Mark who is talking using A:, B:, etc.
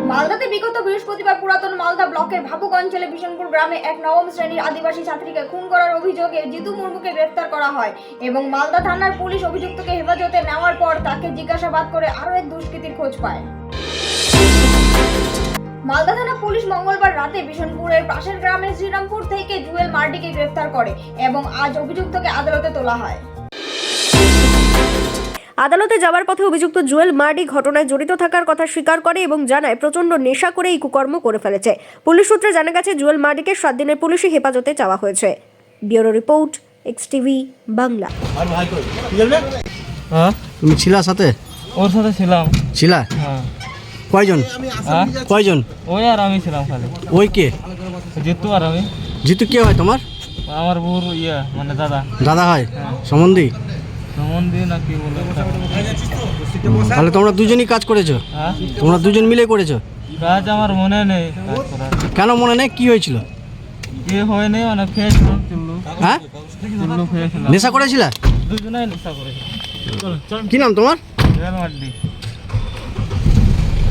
A: মালদাতে বিগত বৃহস্পতিবার পুরাতন মালদা ব্লকের ভাবুক অঞ্চলে বিশনপুর গ্রামে এক নবম শ্রেণীর আদিবাসী ছাত্রীকে খুন করার অভিযোগে জিতু মুর্মুকে গ্রেফতার করা হয় এবং মালদা থানার পুলিশ অভিযুক্তকে হেফাজতে নেওয়ার পর তাকে জিজ্ঞাসাবাদ করে আরও এক দুষ্কৃতীর খোঁজ পায়। মালদা থানা পুলিশ মঙ্গলবার রাতে বিশনপুরের পাশের গ্রামের শ্রীরামপুর থেকে জুয়েল মার্ডিকে গ্রেফতার করে এবং আজ অভিযুক্তকে আদালতে তোলা হয়।
B: আদালতে যাওয়ার পথে অভিযুক্ত জুয়েল মার্ডি ঘটনায় জড়িত থাকার কথা স্বীকার করে এবং জানায় প্রচণ্ড নেশা করে এই কুকর্ম করে ফেলেছে। পুলিশ সূত্রে জানা গেছে জুয়েল মার্ডিকে 7 দিনের পুলিশি হেফাজতে চাওয়া হয়েছে। ব্যুরো রিপোর্ট, এক্সটিভি বাংলা।
C: তুমি ছিলা সাথে?
D: ওর সাথে ছিলাম।
C: ছিলা?
D: হ্যাঁ।
C: কয়জন? কয়জন?
D: ওই আর আমি ছিলাম খালি।
C: ওই কে?
D: জিতু আর আমি।
C: জিতু কে হয় তোমার?
D: আমার বউর মানে দাদা।
C: দাদা হয়? সম্বন্ধী?
D: সম্বন্ধী না কি বলে।
C: তাহলে তোমরা দুজনই কাজ করেছো?
D: হ্যাঁ।
C: তোমরা দুজন মিলে করেছো?
D: কাজ আমার মনে নেই কাজ করার।
C: কেন মনে নেই? কি হয়েছিল?
D: কি হয় নেই, অনেক খেয়েছিলাম চুল্লু।
C: হ্যাঁ,
D: চুল্লু খেয়েছিলাম।
C: নেশা করেছিলা?
D: দুজনেই নেশা করেছিলাম।
C: কি নাম তোমার?
D: জুয়েল মার্ডি।